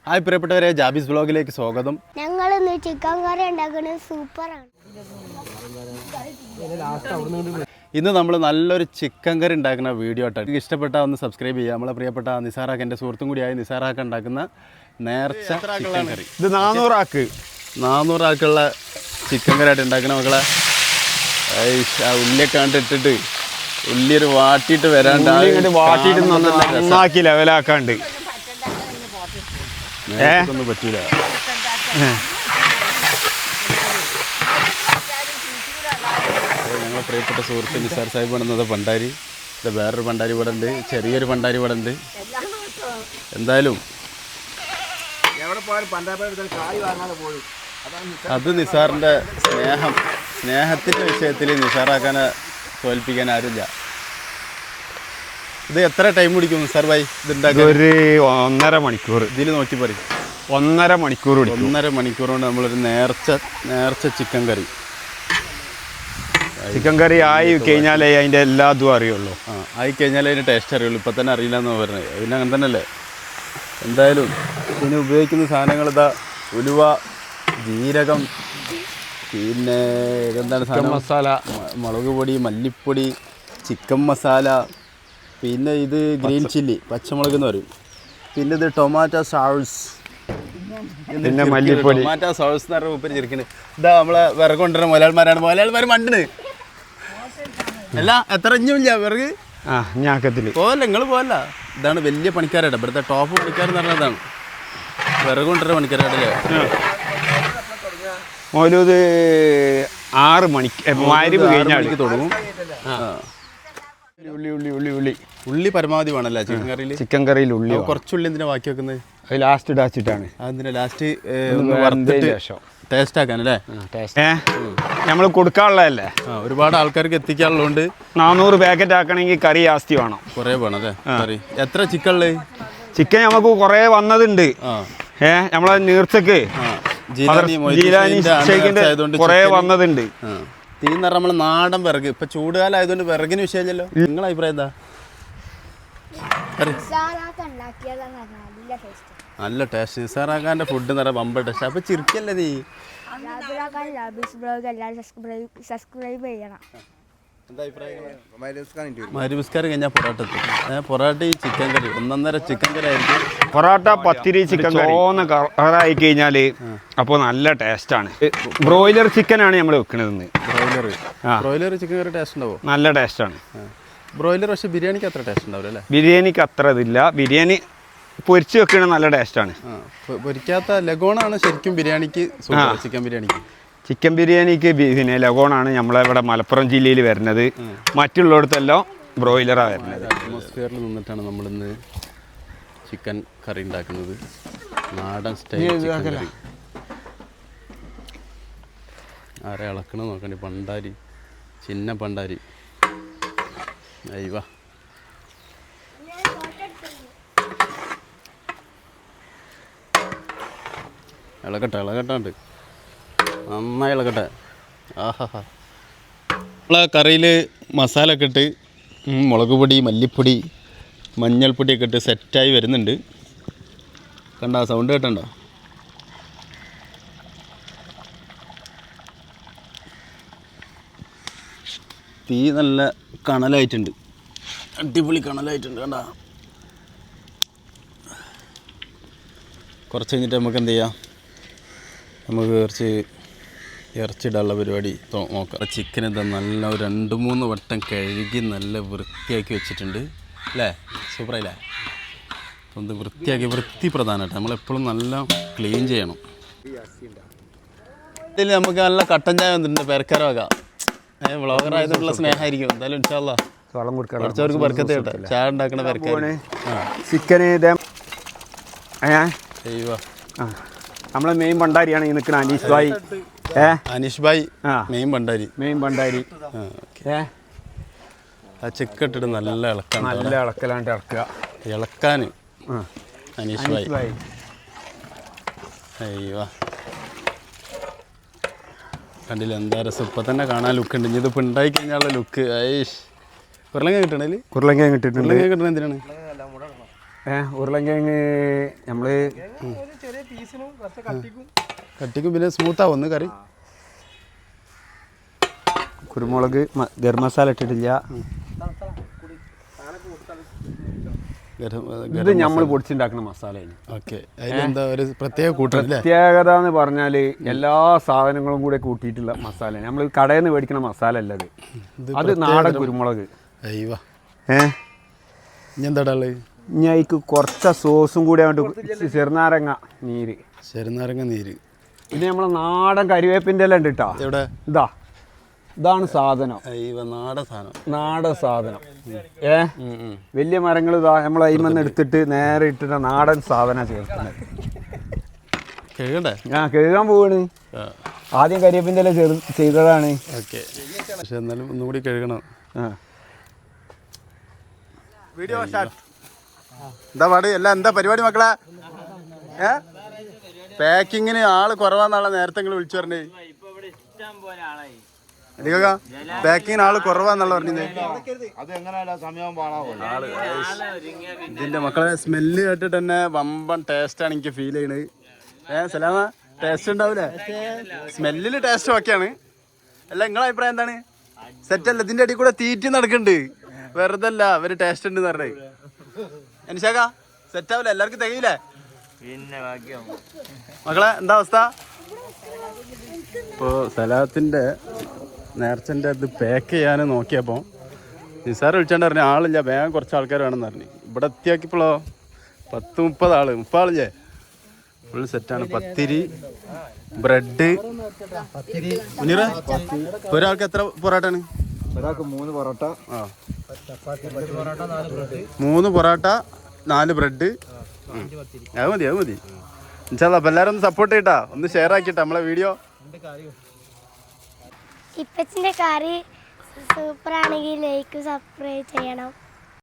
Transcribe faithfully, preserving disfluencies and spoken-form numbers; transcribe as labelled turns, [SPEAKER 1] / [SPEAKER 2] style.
[SPEAKER 1] Hi പ്രിയപ്പെട്ടവരെ, ജാബീസ് വ്ലോഗിലേക്ക് സ്വാഗതം.
[SPEAKER 2] ഞങ്ങൾ ഇന്ന് ചിക്കൻ കറി ഉണ്ടാക്കുന്നത് സൂപ്പറാണ്.
[SPEAKER 1] ഇന്ന് നമ്മൾ നല്ലൊരു ചിക്കൻ കറി ഉണ്ടാക്കുന്ന വീഡിയോ ആയിട്ട് ഇഷ്ടപ്പെട്ടാൽ ഒന്ന് സബ്സ്ക്രൈബ് ചെയ്യുക. നമ്മളെ പ്രിയപ്പെട്ട നിസാറാക്ക്, എൻ്റെ സുഹൃത്തും കൂടിയായ നിസാറാക്ക് ഉണ്ടാക്കുന്ന നേർച്ച ചിക്കൻ കറി.
[SPEAKER 3] ഇത് നാനൂറാക്ക്
[SPEAKER 1] നാനൂറാക്കുള്ള ചിക്കൻ കറി ആയിട്ട് ഉണ്ടാക്കുന്ന മക്കളെ. ആ ഉള്ളിയൊക്കെ കണ്ടിട്ടിട്ട് ഉള്ളി ഒരു വാട്ടിയിട്ട് വരാണ്ട്
[SPEAKER 3] വാട്ടിയിട്ട് നന്നാക്കി ലെവലാക്കാണ്ട്
[SPEAKER 1] ഒന്നും പറ്റൂല. ഞങ്ങളെ പ്രിയപ്പെട്ട സുഹൃത്ത് നിസാർ സാഹിബ് ആണെന്നത് പണ്ടാരി. ഇത് വേറൊരു പണ്ടാരി ഇവിടെ ഉണ്ട്, ചെറിയൊരു പണ്ടാരി ഇവിടെ ഉണ്ട്. എന്തായാലും അത് നിസാറിൻ്റെ സ്നേഹം സ്നേഹത്തിൻ്റെ വിഷയത്തിൽ നിസാറാക്കാനെ തോൽപ്പിക്കാൻ ആരുമില്ല. ഇത് എത്ര ടൈം പിടിക്കും നിസാർ ഭായി ഇത് ഉണ്ടാക്കാൻ?
[SPEAKER 3] ഒരു ഒന്നര മണിക്കൂർ.
[SPEAKER 1] ഇതിൽ നോക്കി പറയും
[SPEAKER 3] ഒന്നര മണിക്കൂർ
[SPEAKER 1] ഒന്നര മണിക്കൂർ കൊണ്ട് നമ്മളൊരു നേർച്ച നേർച്ച ചിക്കൻ കറി
[SPEAKER 3] ചിക്കൻ കറി ആയി കഴിഞ്ഞാലേ അതിൻ്റെ എല്ലാ ഇതും അറിയുള്ളൂ.
[SPEAKER 1] ആ ആയി കഴിഞ്ഞാലേ അതിൻ്റെ ടേസ്റ്റ് അറിയുള്ളൂ. ഇപ്പം തന്നെ അറിയില്ല എന്ന് പറഞ്ഞത്. പിന്നെ അങ്ങനെ തന്നെ അല്ലേ. എന്തായാലും ഇതിന് ഉപയോഗിക്കുന്ന സാധനങ്ങൾ ഇതാ ഉലുവ, ജീരകം, പിന്നെ ഇതെന്താണ് സാധനം,
[SPEAKER 3] മസാല,
[SPEAKER 1] മുളക് പൊടി, മല്ലിപ്പൊടി, ചിക്കൻ മസാല, പിന്നെ ഇത് ഗ്രീൻ ചില്ലി പച്ചമുളക് എന്ന് പറയും, പിന്നെ ഇത് ടൊമാറ്റോ സോസ്,
[SPEAKER 3] പിന്നെ മല്ലിപ്പൊടി.
[SPEAKER 1] ടൊമാറ്റോ സോസ് എന്ന് പറഞ്ഞ ഉപ്പരി ചിരിക്കുന്നത്. ഇതാ നമ്മളെ വിറക് കൊണ്ടുവരുന്ന മലയാളിമാരാണ്. മലയാളിമാർ മണ്ടിന് അല്ല എത്ര ഇഞ്ഞില്ല വിറക്.
[SPEAKER 3] ആ ഞാക്കത്തിൽ
[SPEAKER 1] പോവല്ല, നിങ്ങൾ പോവല്ല. ഇതാണ് വലിയ പണിക്കാരായിട്ട് ഇവിടുത്തെ ടോപ്പ് പണിക്കാരെന്ന് പറഞ്ഞതാണ്. വിറക് കൊണ്ടുവരുന്ന പണിക്കാരായിട്ടല്ലേ.
[SPEAKER 3] മൗലൂദ് ആറ് മണിക്ക് മഗ്‌രിബ് കഴിഞ്ഞാൽ
[SPEAKER 1] തുടങ്ങും.
[SPEAKER 3] ഉള്ളി ഉള്ളി ഉള്ളി ഉള്ളി
[SPEAKER 1] ഉള്ളി പരമാവധി വേണമല്ലേ ചിക്കൻ കറിയിൽ?
[SPEAKER 3] ചിക്കൻ കറിയിൽ ഉള്ളി
[SPEAKER 1] കുറച്ചുള്ളി എന്തിനാ ബാക്കി വെക്കുന്നത്?
[SPEAKER 3] അത് ലാസ്റ്റ് ഇടാച്ചിട്ടാണ്.
[SPEAKER 1] അതിന് ലാസ്റ്റ് വറുത്തിട്ട് ടേസ്റ്റ് ആക്കാനല്ലേ.
[SPEAKER 3] ഏഹ് നമ്മൾ കൊടുക്കാനുള്ളതല്ലേ.
[SPEAKER 1] ആ ഒരുപാട് ആൾക്കാർക്ക് എത്തിക്കാനുള്ളതുകൊണ്ട്
[SPEAKER 3] നാനൂറ് പാക്കറ്റ് ആക്കണമെങ്കിൽ കറി ജാസ്തി വേണം,
[SPEAKER 1] കുറേ വേണം അല്ലേ കറി. എത്ര ചിക്കൻ ഉള്ളത്?
[SPEAKER 3] ചിക്കൻ നമുക്ക് കുറേ വന്നതുണ്ട്. ഏഹ് നമ്മളെ നീർച്ചക്ക് കുറേ വന്നതുണ്ട്.
[SPEAKER 1] തീ എന്ന് പറഞ്ഞാൽ നമ്മൾ നാടൻ വിറക്. ഇപ്പൊ ചൂടുകാലം ആയതുകൊണ്ട് വിറകിന് വിഷയമല്ലോ. നിങ്ങളെ അഭിപ്രായം എന്താ? നല്ല ടേസ്റ്റ്. നിസാറാക്കാൻ്റെ ഫുഡ് എന്ന് പറഞ്ഞാൽ ബമ്പർ ടേസ്റ്റ്. അപ്പൊ ചിരിക്കല്ലേ നീ?
[SPEAKER 2] സബ്സ്ക്രൈബ് ചെയ്യണം.
[SPEAKER 1] മരുവിസ്കാരം കഴിഞ്ഞാൽ പൊറോട്ട എത്തും. പൊറോട്ട ഈ ചിക്കൻ കറി ഒന്നൊന്നര ചിക്കൻ കറി ആയിരിക്കും.
[SPEAKER 3] പൊറോട്ട, പത്തിരി, ചിക്കൻ ചോന്ന കളറായി കഴിഞ്ഞാൽ അപ്പോൾ നല്ല ടേസ്റ്റാണ്. ബ്രോയിലർ ചിക്കനാണ് നമ്മൾ വെക്കണതെന്ന്.
[SPEAKER 1] Broiler broiler chicken curry taste ഉണ്ടാവും,
[SPEAKER 3] നല്ല ടേസ്റ്റാണ്.
[SPEAKER 1] ബ്രോയിലർ പക്ഷേ ബിരിയാണിക്ക് അത്ര ടേസ്റ്റ് ഉണ്ടാവില്ല അല്ലേ?
[SPEAKER 3] ബിരിയാണിക്ക് അത്ര ഇതില്ല. ബിരിയാണി പൊരിച്ച് വെക്കണ നല്ല ടേസ്റ്റാണ്.
[SPEAKER 1] പൊരിക്കാത്ത ലഗോണാണ് ശരിക്കും ബിരിയാണിക്ക്, ചിക്കൻ ബിരിയാണിക്ക്.
[SPEAKER 3] ചിക്കൻ ബിരിയാണിക്ക് പിന്നെ ലഗോണാണ് നമ്മളിവിടെ മലപ്പുറം ജില്ലയിൽ വരുന്നത്. മറ്റുള്ളിടത്തെല്ലാം ബ്രോയിലറാണ് വരുന്നത്.
[SPEAKER 1] അറ്റ്മോസ്ഫിയറിൽ നിന്നിട്ടാണ് നമ്മളിന്ന് ചിക്കൻ കറി ഉണ്ടാക്കുന്നത്. നാടൻ സ്റ്റൈൽ ചിക്കൻ കറി. ആരെ ഇളക്കണം നോക്കണ്ടി. പണ്ടാരി, ചിന്ന പണ്ടാരി. അയ്യവാ ഇളകട്ടെ ഇളകട്ടാണ്ട് നന്നായി ഇളകട്ടെ. ആഹാ നമ്മളെ കറിയിൽ മസാല ഒക്കെ ഇട്ട് മുളക് പൊടി, മല്ലിപ്പൊടി, മഞ്ഞൾപ്പൊടിയൊക്കെ ഇട്ട് സെറ്റായി വരുന്നുണ്ട്. കണ്ട സൗണ്ട് കേട്ടണ്ട? തീ നല്ല കണലായിട്ടുണ്ട്, അടിപൊളി കണലായിട്ടുണ്ട്. കണ്ട കുറച്ച് കഴിഞ്ഞിട്ട് നമുക്ക് എന്ത് ചെയ്യാം, നമുക്ക് കുറച്ച് ഇറച്ചിടാനുള്ള പരിപാടി നോക്കാം. ചിക്കൻ എന്താ നല്ല ഒരു രണ്ട് മൂന്ന് വട്ടം കഴുകി നല്ല വൃത്തിയാക്കി വെച്ചിട്ടുണ്ട് അല്ലേ? സൂപ്പറായില്ലേ? ഒന്ന് വൃത്തിയാക്കി, വൃത്തി പ്രധാനമായിട്ട് നമ്മളെപ്പോഴും നല്ല ക്ലീൻ ചെയ്യണം. ഇതിൽ നമുക്ക് നല്ല കട്ടൻ ചായ വന്നിട്ടുണ്ട്. പെരക്കാരമാകാം. ഏഹ് വ്ളോഗർ ആയതുകൊണ്ടുള്ള സ്നേഹമായിരിക്കും. എന്തായാലും ഇൻഷാല്ലാ കുറച്ചവർക്ക് ബർക്കത്ത് കേട്ടെ. ചായ ഉണ്ടാക്കണ പെരക്കാര്.
[SPEAKER 3] ചിക്കന്
[SPEAKER 1] ചെയ്യുക.
[SPEAKER 3] നമ്മളെ മെയിൻ ഭണ്ടാരിയാണ് ഈ നിൽക്കുന്ന അനീഷ് ഭായി. ഏ
[SPEAKER 1] അനീഷ് ഭായി മെയിൻ ഭണ്ടാരി.
[SPEAKER 3] മെയിൻ ഭണ്ടാരി. ഏ
[SPEAKER 1] ആ ചിക്കൻ ഇട്ടിട്ട് നല്ല ഇളക്കാൻ,
[SPEAKER 3] നല്ല ഇളക്കലാണ്ട് ഇറക്കുക.
[SPEAKER 1] ഇളക്കാൻ അനീഷ് ഭായി. അയ്യോ കണ്ടില്ല എന്താ രസം. ഇപ്പം തന്നെ കാണാൻ ലുക്ക് ഉണ്ട്. ഇനി ഇതിപ്പോൾ ഉണ്ടായി കഴിഞ്ഞാലുള്ള ലുക്ക്. ഐഷ് ഉരുളങ്ങ കിട്ടണേല്
[SPEAKER 3] ഉരുളങ്ങ കിട്ടിയിട്ടുണ്ട്.
[SPEAKER 1] ഉരുളങ്ങ കിട്ടണ എന്തിനാണ്?
[SPEAKER 3] ഏഹ് ഉരുളൻകിഴങ്ങ് നമ്മൾ
[SPEAKER 1] കട്ടിക്കും പിന്നെ സ്മൂത്താവും ഒന്ന് കറി.
[SPEAKER 3] കുരുമുളക് ഗരം മസാല ഇട്ടിട്ടില്ല. ഇത് നമ്മൾ പൊടിച്ചുണ്ടാക്കുന്ന മസാലയാണ്.
[SPEAKER 1] ഓക്കെ, അതിലെന്താ ഒരു പ്രത്യേക കൂട്ടം
[SPEAKER 3] പ്രത്യേകത എന്ന് പറഞ്ഞാൽ എല്ലാ സാധനങ്ങളും കൂടെ കൂട്ടിയിട്ടുള്ള മസാല. നമ്മൾ കടയിൽ നിന്ന് മേടിക്കുന്ന മസാല അല്ല അത്. അത് നാടൻ കുരുമുളക്.
[SPEAKER 1] അയ്യോ
[SPEAKER 3] ഏഹ്
[SPEAKER 1] ഇനി എന്താ ഉള്ളത്?
[SPEAKER 3] ഇനി അതിക്ക് കുറച്ച് സോസും കൂടി അങ്ങോട്ട് ചെറുനാരങ്ങ നീര്.
[SPEAKER 1] ചെറുനാരങ്ങ നീര്.
[SPEAKER 3] പിന്നെ നമ്മളെ നാടൻ കരിവേപ്പിൻ്റെ എല്ലാം ഉണ്ട് കേട്ടോ.
[SPEAKER 1] എവിടെ?
[SPEAKER 3] ഇതാ ഇതാണ് സാധനം.
[SPEAKER 1] അയ്യോ നാടൻ സാധനം.
[SPEAKER 3] നാടൻ സാധനം. ഏ വലിയ മരങ്ങൾ ഇതാ നമ്മൾ അയിമെന്ന് എടുത്തിട്ട് നേരെ ഇട്ടിട്ട് നാടൻ സാധനം ചേർക്കുന്നത്.
[SPEAKER 1] കഴുകണ്ടേ?
[SPEAKER 3] ഞാൻ കഴുകാൻ പോവാണ്. ആദ്യം കരിവേപ്പിൻ്റെ എല്ലാം ചെറു ചെയ്തതാണ്.
[SPEAKER 1] ഓക്കെ, പക്ഷെ എന്നാലും ഒന്നുകൂടി കഴുകണം.
[SPEAKER 3] ആ
[SPEAKER 1] വീഡിയോ സ്റ്റാർട്ട്. എന്താ പാട്? എല്ലാം എന്താ പരിപാടി മക്കളെ? ഏ പാക്കിങ്ങിന് ആള് കുറവാന്നുള്ള നേരത്തെ നിങ്ങൾ വിളിച്ചു പറഞ്ഞേ. പാക്കിങ്ങിന് ആള് കുറവാന്നുള്ള പറഞ്ഞത്. ഇതിന്റെ മക്കളെ സ്മെല്ല് കേട്ടിട്ട് തന്നെ വമ്പൻ ടേസ്റ്റാണ് എനിക്ക് ഫീൽ ചെയ്യണത്. ഏഹ് സലാമ, ടേസ്റ്റ് ഉണ്ടാവൂലേ? സ്മെല്ലില് ടേസ്റ്റ് ഓക്കെയാണ്. അല്ല നിങ്ങളെ അഭിപ്രായം എന്താണ്? സെറ്റല്ല? ഇതിന്റെ അടിയിൽ കൂടെ തീറ്റി നടക്കുന്നുണ്ട്. വെറുതെ അല്ല അവര് ടേസ്റ്റ് ഉണ്ട് പറഞ്ഞേ. എനിശാക്ക സെറ്റ് ആവില്ല? എല്ലാവർക്കും തികയില്ലേ മക്കളെ? എന്താ അവസ്ഥ? ഇപ്പോൾ സലാത്തിൻ്റെ നേർച്ചൻ്റെ അത് പാക്ക് ചെയ്യാൻ നോക്കിയപ്പോൾ നിസാർ വിളിച്ചാണ്ട് പറഞ്ഞു ആളില്ല, വേഗം കുറച്ച് ആൾക്കാർ വേണമെന്ന് പറഞ്ഞു. ഇവിടെ എത്തിയാക്കിയപ്പോഴോ പത്ത് മുപ്പത് ആള് മുപ്പത് ആളില്ലേ? ഫുൾ സെറ്റാണ്. പത്തിരി, ബ്രെഡ്. മുനീറ, ഒരാൾക്ക് എത്ര പൊറോട്ടയാണ്?
[SPEAKER 3] ഒരാൾക്ക് മൂന്ന് പൊറോട്ട.
[SPEAKER 1] ആ, മൂന്ന് പൊറോട്ട, നാല് ബ്രെഡ്. അത് മതി, അത് മതി. ഇൻഷാല്ലാ. അപ്പം എല്ലാവരും ഒന്ന് സപ്പോർട്ട് ചെയ്യട്ടാ, ഒന്ന് ഷെയർ ആക്കിയിട്ടാ നമ്മളെ വീഡിയോ.
[SPEAKER 2] ഇപ്പച്ചിൻ്റെ കറി സൂപ്പറാണെങ്കിൽ ലൈക്ക് സബ്സ്ക്രൈബ് ചെയ്യണം.